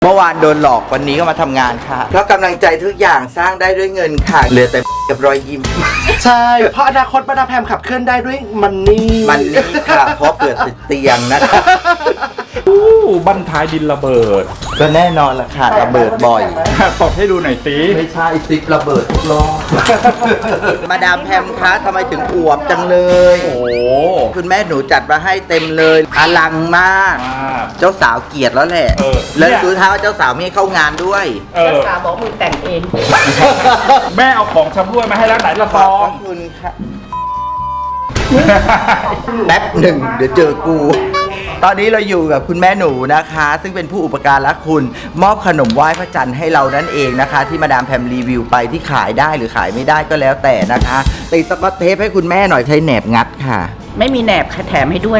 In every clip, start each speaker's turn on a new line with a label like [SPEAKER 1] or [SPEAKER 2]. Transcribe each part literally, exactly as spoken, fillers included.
[SPEAKER 1] เมื่อวานโดนหลอกวันนี้ก็มาทำงานค่ะเพราะกำลังใจทุกอย่างสร้างได้ด้วยเงินค่ะเหลือแต่กับรอยยิ้ม
[SPEAKER 2] ใช่เพราะอนาคตมาดามแพมขับเคลื่อนได้ด้วยมันนี่
[SPEAKER 1] มันนี่ค่ะเพราะเกิดติดเตียงนะคะ
[SPEAKER 3] อู้บั้นท้ายดินระเบิด
[SPEAKER 1] ก็แน่นอนละค่ะระเบิดบ่อย
[SPEAKER 3] ตบให้ดูหน่อยสิ
[SPEAKER 1] ไม่ใช่ซิประเบิดทุกรอบมาดามแพมคะทำไมถึงอวบจังเลย
[SPEAKER 3] โอ้
[SPEAKER 1] คุณแม่หนูจัดมาให้เต็มเลยอลังมากเจ้าสาวเกลียดแล้วแหละแล้วดูท่าว่าเจ้าสาวไม่เข้างานด้วย
[SPEAKER 4] เจ้าสาวบอกมึงแต่งเอง
[SPEAKER 3] แม่เอาของชำร่วยมาให้แล้วไหนละฟอง
[SPEAKER 1] ขอบคุณค่ะแป๊บหนึ่งเดี๋ยวเจอกูตอนนี้เราอยู่กับคุณแม่หนูนะคะซึ่งเป็นผู้อุปการะคุณมอบขนมไหว้พระจันทร์ให้เรานั่นเองนะคะที่มาดามแพมรีวิวไปที่ขายได้หรือขายไม่ได้ก็แล้วแต่นะคะติดสกอตเทปให้คุณแม่หน่อยใช้แหนบงัดค่ะ
[SPEAKER 4] ไม่มีแหนบแถมให้ด้วย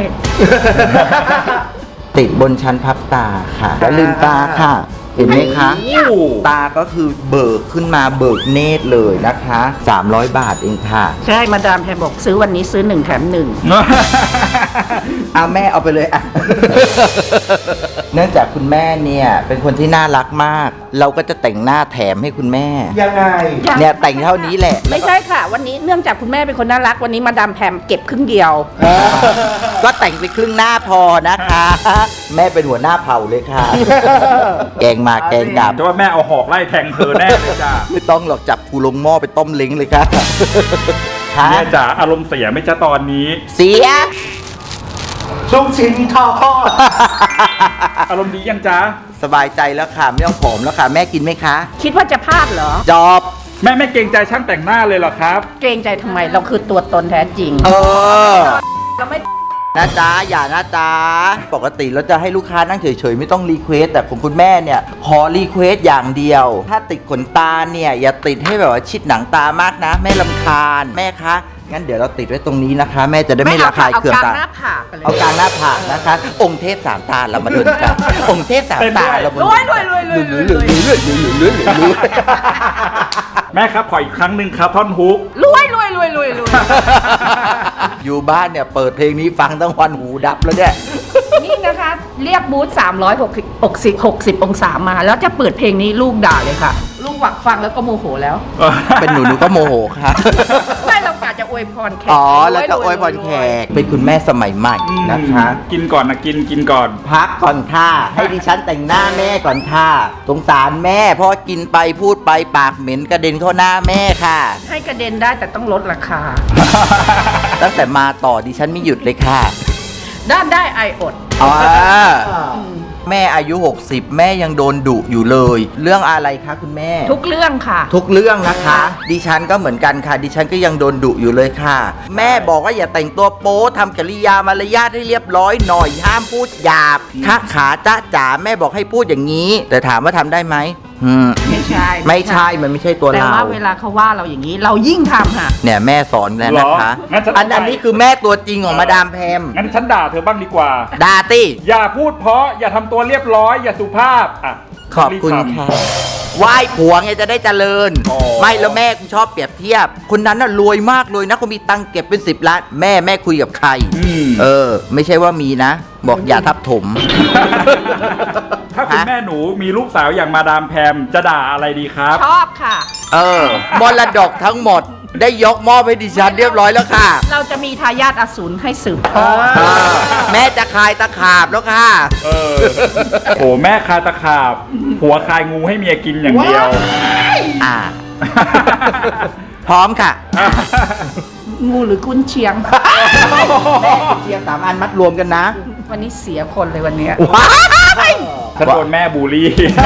[SPEAKER 1] ติดบนชั้นพับตาค่ะแล้วลืมตาค่ะเห็นไหมคะตาก็คือเบิกขึ้นมาเบิกเนตรเลยนะคะสามร้อยบาทเองค่ะ
[SPEAKER 4] ใช่มาดามแพมบอกซื้อวันนี้ซื้อหนึ่งแถมหนึ่ง
[SPEAKER 1] เอาแม่เอาไปเลยอ่ะ เนื่องจากคุณแม่เนี่ยเป็นคนที่น่ารักมากเราก็จะแต่งหน้าแถมให้คุณแม่
[SPEAKER 2] ยังไง
[SPEAKER 1] เนี่ยแต่งเท่านี้แหละ
[SPEAKER 4] ไม่ใช่ค่ะวันนี้เนื่องจากคุณแม่เป็นคนน่ารักวันนี้มาดามแพมเก็บครึ่งเดียว
[SPEAKER 1] ก็แต่งไปครึ่งหน้าพอนะคะแม่เป็นหัวหน้าเผ่าเลยค่ะแกงมาแกงกลับ
[SPEAKER 3] แต่ว่าแม่เอาหอกไล่แทงเธอแน่เลยจ้า
[SPEAKER 1] ไม่ต้องหรอกจับกูลงหม้อไปต้มเล้งเลยค่ะ
[SPEAKER 3] แม่จ๋าอารมณ์เสียไม่จ้าตอนนี้
[SPEAKER 1] เสีย
[SPEAKER 2] ลูกชิ้นทอด
[SPEAKER 3] อารมณ์ดียังจ้า
[SPEAKER 1] สบายใจแล้วค่ะไม่ต้องผอมแล้วค่ะแม่กินไหมคะ
[SPEAKER 4] คิดว่าจะพลาดเหรอ
[SPEAKER 1] จอบ
[SPEAKER 3] แม่ไม่เกรงใจช่างแต่งหน้าเลยเหรอครับ
[SPEAKER 4] เกรงใจทำไมเราคือตัวตนแท้จริง
[SPEAKER 1] เออ
[SPEAKER 4] เราไม่
[SPEAKER 1] นะจ๊ะอย่านะจ๊ะปกติเราจะให้ลูกค้านั่งเฉยๆไม่ต้องรีเควสแต่ของคุณแม่เนี่ยขอรีเควสอย่างเดียวถ้าติดขนตาเนี่ยอย่าติดให้แบบว่าชิดหนังตามากนะแม่รำคาญแม่คะงั้นเดี๋ยวเราติดไว้ตรงนี้นะคะแม่จะได้ไม่ระคายเคืองตาเอากลางหน้าผากนะคะองค์เทพสามตาเรามาดูกันองค์เทพสามตาเรามาดู
[SPEAKER 4] รวยรวยรวยรวยรวยรวยรวยรวย
[SPEAKER 3] แม่ครับขออีกครั้งหนึ่งครับท่อนฮุก
[SPEAKER 4] รวยรวยรวยรวยรวย
[SPEAKER 1] อยู่บ้านเนี่ยเปิดเพลงนี้ฟังทั้งวันหูดับแล้วเนี่ย
[SPEAKER 4] นี่นะคะเรียกบูธสามร้อยหกสิบ หกสิบ หกสิบองศามาแล้วจะเปิดเพลงนี้ลูกด่าเลยค่ะลูกหวักฟังแล้วก็โมโหแล้ว
[SPEAKER 1] เป็นหนูหนูก็โมโหค่ะ
[SPEAKER 4] ไม่เรากะจะอวยพรแขก
[SPEAKER 1] อ๋อแล้วจะอวยพรแขกเป็นคุณแม่สมัยใหม่นะคะ
[SPEAKER 3] กินก่อนนะกินกินก่อน
[SPEAKER 1] พักก่อนค่ะให้ดิฉันแต่งหน้าแม่ก่อนค่ะสงสารแม่เพราะกินไปพูดไปปากเหม็นกระเด็นเข้าหน้าแม่ค่ะ
[SPEAKER 4] ให้กระเด็นได้แต่ต้องลดราคา
[SPEAKER 1] ตั้งแต่มาต่อดิฉันไม่หยุดเลยค่ะ
[SPEAKER 4] ด้านได้ไออด
[SPEAKER 1] อ๋อแม่อายุหกสิบแม่ยังโดนดุอยู่เลยเรื่องอะไรคะคุณแม่
[SPEAKER 4] ทุกเรื่องค่ะ
[SPEAKER 1] ทุกเรื่องนะคะดิฉันก็เหมือนกันค่ะดิฉันก็ยังโดนดุอยู่เลยค่ะแม่บอกว่าอย่าแต่งตัวโป๊ทำกิริยามารยาทให้เรียบร้อยหน่อยห้ามพูดหยาบถ้าขาจ้าจ๋าแม่บอกให้พูดอย่างนี้แต่ถามว่าทำได้ไหม
[SPEAKER 4] ไม่ใช่
[SPEAKER 1] ไม่ใช่มันไม่ใช่ตัวเราแต่
[SPEAKER 4] ว่าเวลาเขาว่าเราอย่างนี้เรายิ่งทำค่ะ
[SPEAKER 1] เนี่ยแม่สอนแล้วนะคะอันอันนี้คือแม่ตัวจริงของมาดามแพม
[SPEAKER 3] งั้นฉันด่าเธอบ้างดีกว่า
[SPEAKER 1] ด่าติ
[SPEAKER 3] อย่าพูดเพราะอย่าทำตัวเรียบร้อยอย่าสุภาพอ่ะ
[SPEAKER 1] ขอบคุณค่ะไหว้ผัวไงจะได้เจริญไม่แล้วแม่กูชอบเปรียบเทียบคนนั้นน่ะรวยมากเลยนะเขามีตังเก็บเป็นสิบล้านแม่แม่คุยกับใครเออไม่ใช่ว่ามีนะบอกอย่าทับถม
[SPEAKER 3] ถ้าคุณแม่หนูมีลูกสาวอย่างมาดามแพมจะด่าอะไรดีครับ
[SPEAKER 4] ชอบค่ะ
[SPEAKER 1] เออมรดกทั้งหมดได้ยกมอบให้ดิฉันเรียบร้อยแล้วค่ะ
[SPEAKER 4] เราจะมีทายาทอสูรให้สืบทอด
[SPEAKER 1] แม่จะคายตะขาบแล้วค่ะ
[SPEAKER 3] เออโอ้แม่คายตะขาบผัวคายงูให้เมียกินอย่างเดียว
[SPEAKER 1] อ่าพร้อมค่ะ
[SPEAKER 4] งูหรือกุนเชียง
[SPEAKER 1] แม่กุนเชียงสามอันมัดรวมกันนะ
[SPEAKER 4] วันนี้เสียคนเลยวันนี้
[SPEAKER 3] ฉันโดนแม่บูลลี่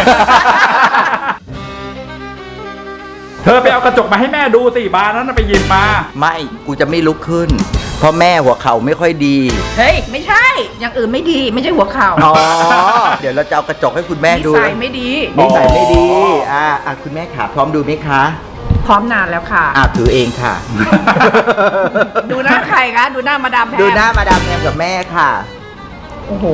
[SPEAKER 3] เธอไปเอากระจกมาให้แม่ดูสิบานนั้นไปหยิบมา
[SPEAKER 1] ไม่กูจะไม่ลุกขึ้นเพราะแม่หัวเข่าไม่ค่อยดี
[SPEAKER 4] เฮ้ยไม่ใช่อย่างอื่นไม่ดีไม่ใช่หัวเข่า
[SPEAKER 1] อ๋อเดี๋ยวเราจะเอากระจกให้คุณแม่ดู
[SPEAKER 4] นิสัยไม่ดี
[SPEAKER 1] นิสัยไม่ดีอ่าอ่ะคุณแม่ขาพร้อมดูไหมคะ
[SPEAKER 4] พร้อมนานแล้วค่ะ
[SPEAKER 1] อ่ะถือเองค่ะ
[SPEAKER 4] ดูหน้าใครคะดูหน้ามาดามแพม
[SPEAKER 1] ดูหน้ามาดามแพมกับแม่ค่ะ
[SPEAKER 4] โอ้โห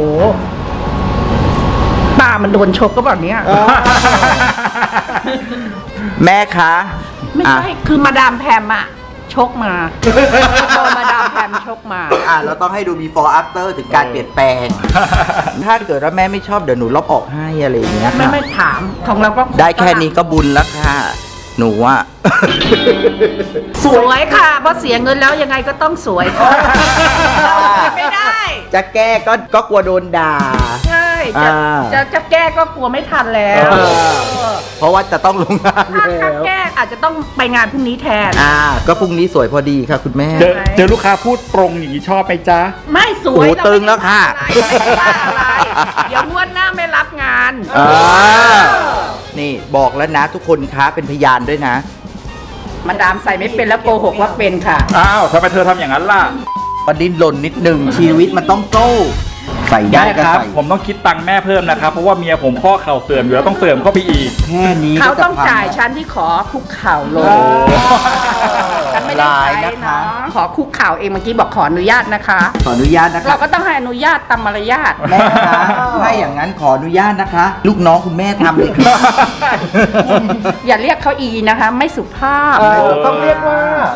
[SPEAKER 4] ตามันโดนชกก็แบบนี้
[SPEAKER 1] แม่คะ
[SPEAKER 4] ไม่ใช่คือมาดามแพมอะชกมา โดนมาดามแพมชกมา
[SPEAKER 1] อ่าเราต้องให้ดู before after ถึงการเปลี่ยนแปลง ถ้าเกิดว่าแม่ไม่ชอบเดี๋ยวหนูลบออกให้อะไรอย่างเงี้ย
[SPEAKER 4] ไม่
[SPEAKER 1] ค่ะ
[SPEAKER 4] ไม่ถามของเราก็
[SPEAKER 1] ได้แค่นี้ก็บุญแล้วค่ะ หนูอ่ะ
[SPEAKER 4] สวยค่ะ เพราะเสียเงินแล้วยังไงก็ต้องสวยค่ะ ไม่ได้
[SPEAKER 1] จะแก้ก็ก็กลัวโดนด่า
[SPEAKER 4] ใช่จะ
[SPEAKER 1] อ่า
[SPEAKER 4] จะจะแก้ก็กลัวไม่ทันแล้ว
[SPEAKER 1] เออ เพราะว่าจะต้องลงงาน
[SPEAKER 4] ถ้า
[SPEAKER 1] แล้
[SPEAKER 4] ถ้าว แก้อาจจะต้องไปงานพรุ่งนี้แทน
[SPEAKER 1] อ่า ก็พรุ่งนี้สวยพอดีค่ะคุณแม่
[SPEAKER 3] เจอเจอลูกค้าพูดตรงอย่างนี้ชอบไหมจ๊ะ
[SPEAKER 4] ไม่สวย
[SPEAKER 1] โอ้โหตึงแล้วค่ะ
[SPEAKER 4] ไม่ได้ว่าอะไรเดี๋ยวงวดหน้าไม่รับงาน
[SPEAKER 1] อ่า นี่บอกแล้วนะทุกคนคะเป็นพยานด้วยนะ
[SPEAKER 4] มาดามใส่ไม่เป็นแล้วโกหกว่าเป็นค่ะ
[SPEAKER 3] อ้าวทำไมเธอทำอย่างนั้นล่ะ
[SPEAKER 1] ประดิ้นหล่นนิดหนึ่งชีวิตมันต้องโซ่ใส่ได้
[SPEAKER 3] แม่
[SPEAKER 1] ก็
[SPEAKER 3] ครับ
[SPEAKER 1] ใส่
[SPEAKER 3] ผมต้องคิดตังค์แม่เพิ่มนะครับ เพราะว่าเมียผมข้อเข่าเสื่อมอยู่แล้วต้องเสื่อมเข้าไปอีก
[SPEAKER 1] แค่นี้
[SPEAKER 4] เขา
[SPEAKER 1] ก็จะ
[SPEAKER 4] ต้อง
[SPEAKER 1] พั
[SPEAKER 4] จ่ายฉันที่ขอคุกเข่าลง
[SPEAKER 3] โอ้
[SPEAKER 4] ฉันไม่ได้
[SPEAKER 1] ลาย
[SPEAKER 4] ใช้
[SPEAKER 1] นะคะ
[SPEAKER 4] เนาะขอคุกเข่าเองเมื่อกี้บอกขออนุญาตนะคะ
[SPEAKER 1] ขออนุญาตนะ
[SPEAKER 4] เรา
[SPEAKER 1] คะ
[SPEAKER 4] ก็ต้องให้อนุญาตตามมารยาท
[SPEAKER 1] แม่คะถ้าอย่างนั้นขออนุญาตนะคะ ลูกน้องคุณแม่ทำเลยค่ะ
[SPEAKER 4] อย่าเรียกเขาอีนะคะ ไม่สุภาพ
[SPEAKER 2] เออต้องเรียกว่า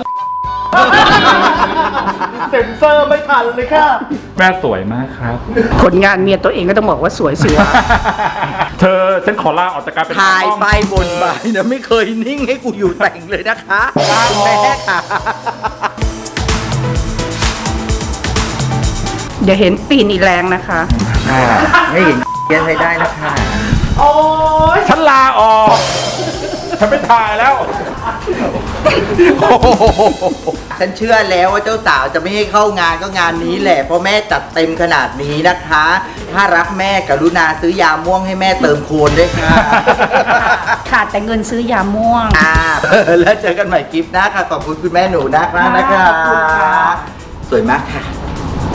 [SPEAKER 2] เซ็นเซอร์ไม่ทันเลยค่ะ
[SPEAKER 3] แม่สวยมากครับ
[SPEAKER 4] ผลงานเมียตัวเองก็ต้องบอกว่าสวยสิวะ
[SPEAKER 3] เธอฉันขอลาออกจากการเป็น
[SPEAKER 1] ถ่าย
[SPEAKER 3] ตากล้อง
[SPEAKER 1] ไปบนไปนะไม่เคยนิ่งให้กูอยู่แต่งเลยนะคะคุณแม่ค่ะ
[SPEAKER 4] เดี๋ยวเห็นตีนอีแรงนะคะ
[SPEAKER 1] อ่าไม่เห็นเย็นให้ได้นะคะ
[SPEAKER 2] โอ้ย
[SPEAKER 3] ฉันลาออก ฉันไม่ถ่ายแล้ว
[SPEAKER 1] ฉันเชื่อแล้วว่าเจ้าสาวจะไม่ให้เข้างานก็งานนี้แหละ เพราะแม่จัดเต็มขนาดนี้นะคะ ถ้ารักแม่กรุณาซื้อยาม่วงให้แม่เติมโคนด้วยค่ะ
[SPEAKER 4] ขาดแต่เงินซื้อยาม่วง
[SPEAKER 1] อ่า แล้วเจอกันใหม่คลิปหน้าค่ะ ขอบคุณคุณแม่หนูนะคะนะคะ
[SPEAKER 4] ขอบคุณค่ะ
[SPEAKER 1] สวยมากค่ะ